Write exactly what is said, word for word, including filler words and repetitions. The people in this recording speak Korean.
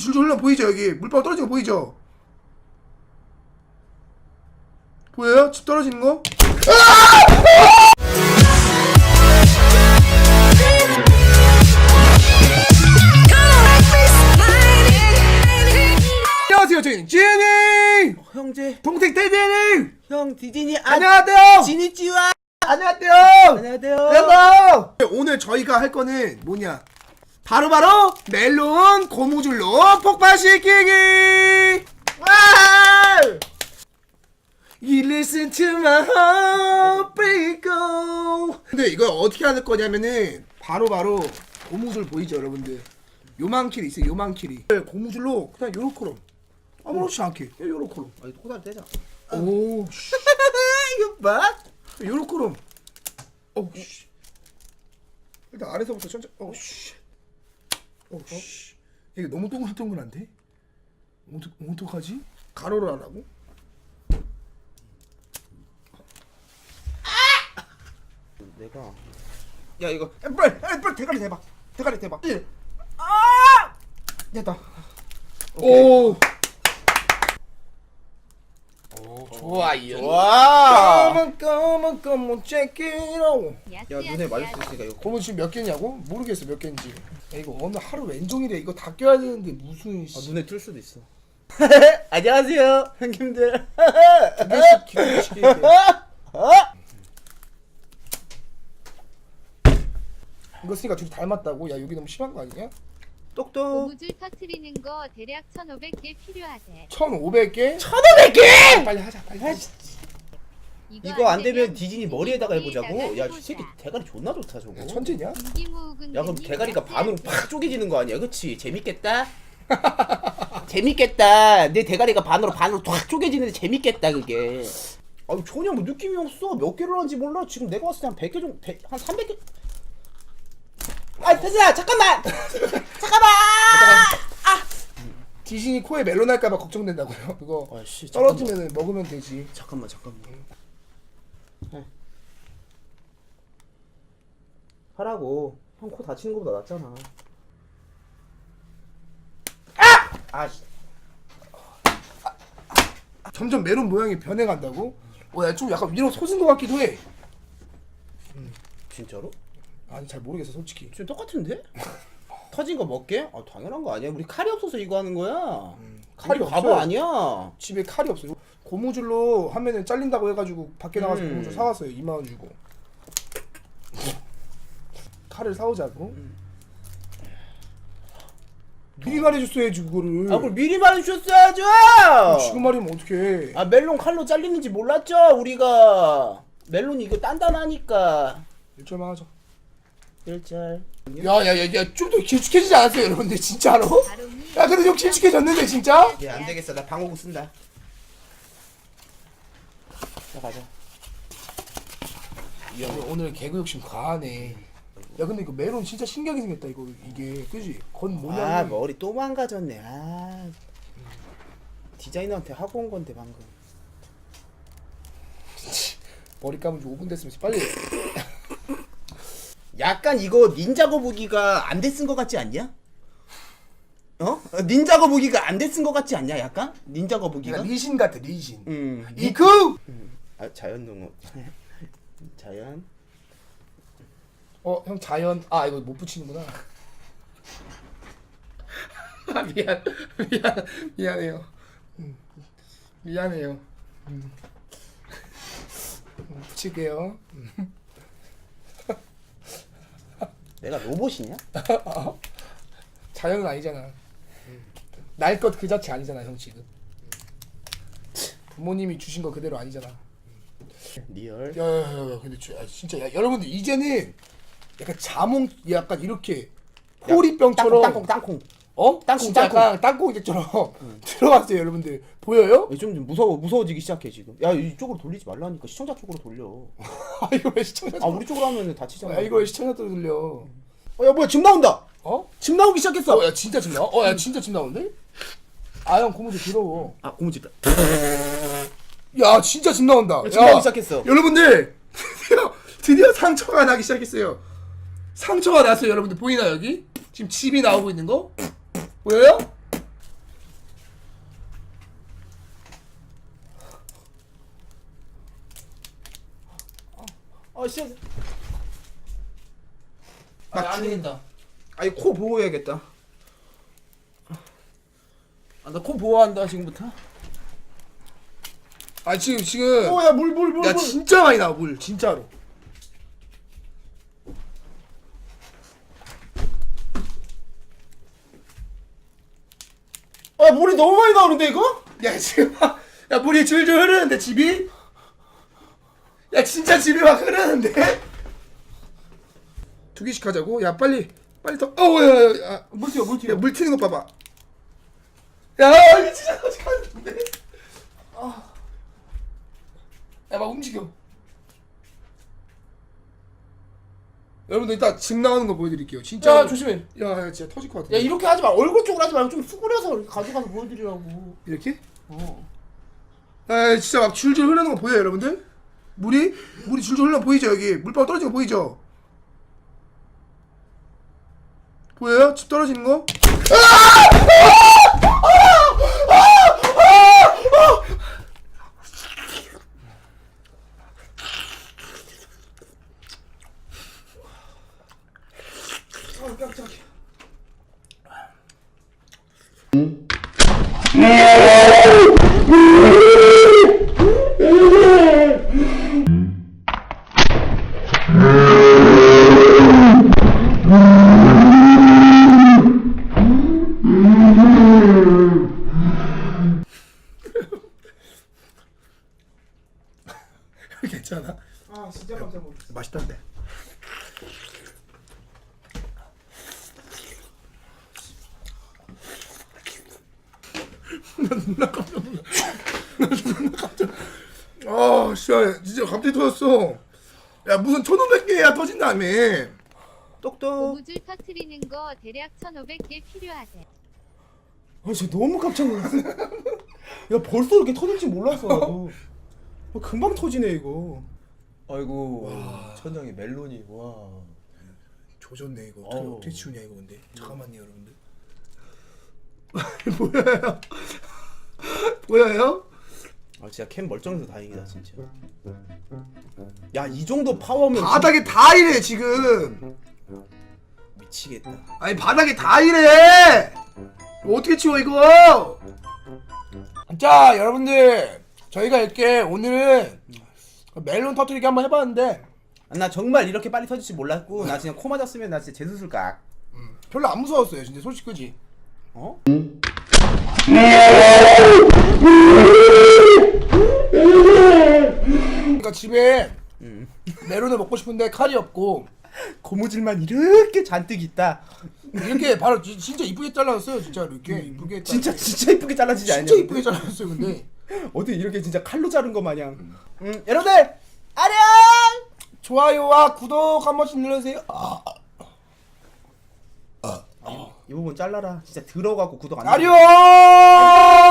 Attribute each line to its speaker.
Speaker 1: 줄줄 흘러 보이죠? 여기 물방울 떨어지는 거 보이죠? 보여요? 집 떨어지는 거? 안녕하세요, 저희는 지니
Speaker 2: 어, 형제
Speaker 1: 동생 대진이
Speaker 2: 형 디즈니 아,
Speaker 1: 안녕하세요.
Speaker 2: 지니찌와
Speaker 1: 안녕하세요.
Speaker 2: 안녕하세요.
Speaker 1: 여러분 오늘 저희가 할 거는 뭐냐? 바로바로 바로 멜론 고무줄로 폭발시키기. 와! You listen to my heart break. 근데 이거 어떻게 하는 거냐면은 바로바로 바로 고무줄 보이죠, 여러분들? 요만 킬이 있어요, 요만 킬이. 고무줄로 그냥 요렇게로 아무렇지 않게 요렇게로.
Speaker 2: 아, 이거 코다리 떼자.
Speaker 1: 오, 씨.
Speaker 2: 이거 봐.
Speaker 1: 요렇게로. 오, 씨. 일단 아래서부터 천천히. 오, 씨. 오, 씨. 이게 너무 동글동글한데? 어떡, 어떡하지? 가로로 하라고?
Speaker 2: 내가 야 이거 빨리 빨리 빨리 대가리 대봐. 대가리 대봐. 아! 됐다.
Speaker 1: 오. 오, 좋아요.
Speaker 2: 와.
Speaker 1: 까만 까만 까만 check-it-out.
Speaker 2: 야 눈에 맞을 수 있으니까 이거.
Speaker 1: 고무 지금 몇 개냐고? 모르겠어 몇 개인지. 야, 이거 오늘 하루 왼종일이야. 이거 다 껴야 되는데 무슨
Speaker 2: 아, 눈에 뜰 수도 있어. 안녕하세요, 형님들.
Speaker 1: 두 개씩 기름시게. 이거 쓰니까 둘이 닮았다고? 야 여기 너무 심한 거 아니냐?
Speaker 2: 똑똑.
Speaker 3: 고무줄 터트리는 거 대략 천오백 개 필요하대.
Speaker 1: 천오백 개?
Speaker 2: 천오백 개!
Speaker 1: 빨리 하자 빨리 하자.
Speaker 2: 이거 안 되면 디즈니 머리에다가 해보자고. 야, 이 새끼 대가리 존나 좋다 저거.
Speaker 1: 야, 천재냐?
Speaker 2: 야 그럼 대가리가 반으로 팍 쪼개지는 거 아니야? 그치? 재밌겠다? 재밌겠다. 내 대가리가 반으로 반으로 탁 쪼개지는데 재밌겠다 그게. 아유 전혀 뭐 느낌이 없어. 몇 개를 하는지 몰라. 지금 내가 봤을 때 한 백 개 정도, 백, 한 삼백 개. 아 태수야 잠깐만. 잠깐만. 아.
Speaker 1: 디즈니 코에 멜론 할까봐 걱정된다고요? 그거
Speaker 2: 아씨
Speaker 1: 떨어지면 먹으면 되지.
Speaker 2: 잠깐만 잠깐만. 해. 하라고. 형 코 다치는 거보다 낫잖아. 아!
Speaker 1: 점점 멜론 모양이 변해간다고? 어, 야, 좀 약간 위로 솟은 것 같기도 해.
Speaker 2: 진짜로?
Speaker 1: 아니 잘 모르겠어 솔직히.
Speaker 2: 지금 똑같은데? 터진 거 먹게? 아 당연한 거 아니야. 우리 칼이 없어서 이거 하는 거야. 칼이
Speaker 1: 우리
Speaker 2: 바보
Speaker 1: 없어요.
Speaker 2: 아니야.
Speaker 1: 집에 칼이 없어요. 고무줄로 하면은 잘린다고 해가지고 밖에 나가서
Speaker 2: 음.
Speaker 1: 고무줄 사왔어요. 이만 원 주고. 칼을 사오자고.
Speaker 2: 음.
Speaker 1: 미리 말해줬어야지 그거를.
Speaker 2: 아 그걸 미리 말해주셨어야죠.
Speaker 1: 지금 말이면 어떡해.
Speaker 2: 아 멜론 칼로 잘리는지 몰랐죠 우리가. 멜론이 이거 단단하니까.
Speaker 1: 일절만 하자.
Speaker 2: 일절.
Speaker 1: 야야야야 좀 더 길쭉해지지 않았어요 여러분들 진짜로? 야 근데 좀 길쭉해졌는데 진짜?
Speaker 2: 얘 안 되겠어. 나 방어구 쓴다. 자 가자.
Speaker 1: 야 오늘 개그 욕심 과하네. 야 근데 이거 멜론 진짜 신기하게 생겼다 이거 이게 그지? 건 모양이.
Speaker 2: 아 머리 또 망가졌네. 아 디자이너한테 하고 온 건데 방금.
Speaker 1: 머리 감은 지 오 분 됐으면 빨리.
Speaker 2: 약간 이거 닌자 거북이가 안 돼 쓴 거 같지 않냐? 어? 닌자 거북이가 안 돼 쓴 거 같지 않냐? 약간 닌자 거북이가?
Speaker 1: 그러니까 리신 같아 리신.
Speaker 2: 음.
Speaker 1: 이쿠.
Speaker 2: 음. 아 자연 농어. 자연.
Speaker 1: 어 형 자연. 아 이거 못 붙이는구나. 아 미안 미안 미안해요. 음, 미안해요. 음. 음, 붙일게요. 음.
Speaker 2: 내가 로봇이냐?
Speaker 1: 자연은 아니잖아. 날 것 그 자체 아니잖아 형 지금. 부모님이 주신 거 그대로 아니잖아.
Speaker 2: 리얼.
Speaker 1: 야야야 근데 주, 아, 진짜 야, 여러분들 이제는 약간 자몽 약간 이렇게 호리병처럼
Speaker 2: 땅콩 땅콩.
Speaker 1: 어?
Speaker 2: 땅콩,
Speaker 1: 진짜
Speaker 2: 땅콩.
Speaker 1: 약간 땅콩이처럼 들어갔어요 여러분들 보여요?
Speaker 2: 좀, 좀 무서워 무서워지기 시작해 지금. 야 이쪽으로 돌리지 말라니까. 시청자 쪽으로 돌려.
Speaker 1: 아 이거 왜 시청자
Speaker 2: 아 우리 쪽으로 하면 다치잖아.
Speaker 1: 아 이거 왜 시청자들 들려?
Speaker 2: 어, 야 뭐야 집 나온다.
Speaker 1: 어?
Speaker 2: 집 나오기 시작했어.
Speaker 1: 어 야 진짜 집 나와? 어야 진짜 집 나오는데? 아 형 고무줄 더러워.
Speaker 2: 아 고무집다.
Speaker 1: 야 진짜 집 나온다.
Speaker 2: 집 나오기 시작했어.
Speaker 1: 여러분들 드디어 드디어 상처가 나기 시작했어요. 상처가 났어요 여러분들 보이나 여기? 지금 집이 나오고 있는 거? 보여요?
Speaker 2: 아 진짜.
Speaker 1: 아,
Speaker 2: 안
Speaker 1: 중-
Speaker 2: 되겠다. 아니 코 보호해야겠다. 아, 나 코 보호한다 지금부터.
Speaker 1: 아 지금 지금
Speaker 2: 어, 야, 물, 물, 물,
Speaker 1: 야
Speaker 2: 물.
Speaker 1: 진짜 많이 나와 물 진짜로.
Speaker 2: 아, 물이 너무 많이 나오는데 이거?
Speaker 1: 야 지금 막- 야 물이 줄줄 흐르는데 집이? 야 진짜 집이 막 흐르는데? 두 개씩 하자고? 야 빨리 빨리 더. 어우 야야
Speaker 2: 물 튀어, 물 튀어.
Speaker 1: 물 튀는 거 봐봐. 야 이거 진짜 터지겠는데? 야 막 움직여. 여러분들 이따 집 나오는 거 보여드릴게요. 진짜.
Speaker 2: 야, 조심해.
Speaker 1: 야, 야 진짜 터질 것 같아.
Speaker 2: 야, 이렇게 하지 마. 얼굴 쪽으로 하지 말고 좀 수그려서 이렇게 가져가서 보여드리라고.
Speaker 1: 이렇게?
Speaker 2: 어.
Speaker 1: 아 진짜 막 줄줄 흐르는 거 보여요 여러분들? 물이 물이 줄줄 흘러 보이죠 여기 물방울 떨어지는 거 보이죠? 보여요? 집 떨어지는 거? 아 깜짝이야. 괜찮아?
Speaker 2: 아, 진짜 깜짝 놀랐어.
Speaker 1: 맛있던데. 나 누나 깜짝 놀라. 나 누나 깜짝. 아, 진짜 진짜 갑자기 터졌어. 야 무슨 천오백 개야 터진다며.
Speaker 2: 똑똑.
Speaker 3: 고무줄 터트리는 거 대략 천오백 개 필요하대.
Speaker 2: 아, 진짜 너무 깜짝 놀랐어. 야, 벌써 이렇게 터질지 몰랐어, 나도. 아, 금방 터지네, 이거. 아이고, 천장에 멜론이, 와.
Speaker 1: 조졌네 이거. 어떻게,
Speaker 2: 어우.
Speaker 1: 어떻게 치우냐 이거 근데. 잠깐만요 여러분들. 보여요? 보여요?
Speaker 2: 아, 진짜 캠 멀쩡해서 다행이다, 진짜. 야, 이 정도 파워면
Speaker 1: 바닥에 다 이래 지금.
Speaker 2: 미치겠다.
Speaker 1: 아니 바닥에 다 이래. 어떻게 치워 이거? 자 여러분들 저희가 이렇게 오늘은 멜론 터뜨리기 한번 해봤는데
Speaker 2: 아, 나 정말 이렇게 빨리 터질 줄 몰랐고, 나 그냥 코 맞았으면 나 진짜 재수술 각.
Speaker 1: 별로 안 무서웠어요 진짜 솔직히 그지?
Speaker 2: 어?
Speaker 1: 그러니까 집에 멜론을 먹고 싶은데 칼이 없고
Speaker 2: 고무줄만 이렇게 잔뜩 있다.
Speaker 1: 이렇게 바로 지- 진짜 이쁘게 잘라줬어요 진짜로 이렇게 이쁘게 잘-
Speaker 2: 진짜 진짜 이쁘게 잘라지지 않냐?
Speaker 1: 진짜 이쁘게 잘라줬어요 근데
Speaker 2: 어떻게 이렇게 진짜 칼로 자른 거 마냥. 음, 여러분들 안녕.
Speaker 1: 좋아요와 구독 한 번씩 눌러주세요. 아,
Speaker 2: 이 부분 잘라라. 진짜 들어가고 구독 안.
Speaker 1: 아리오.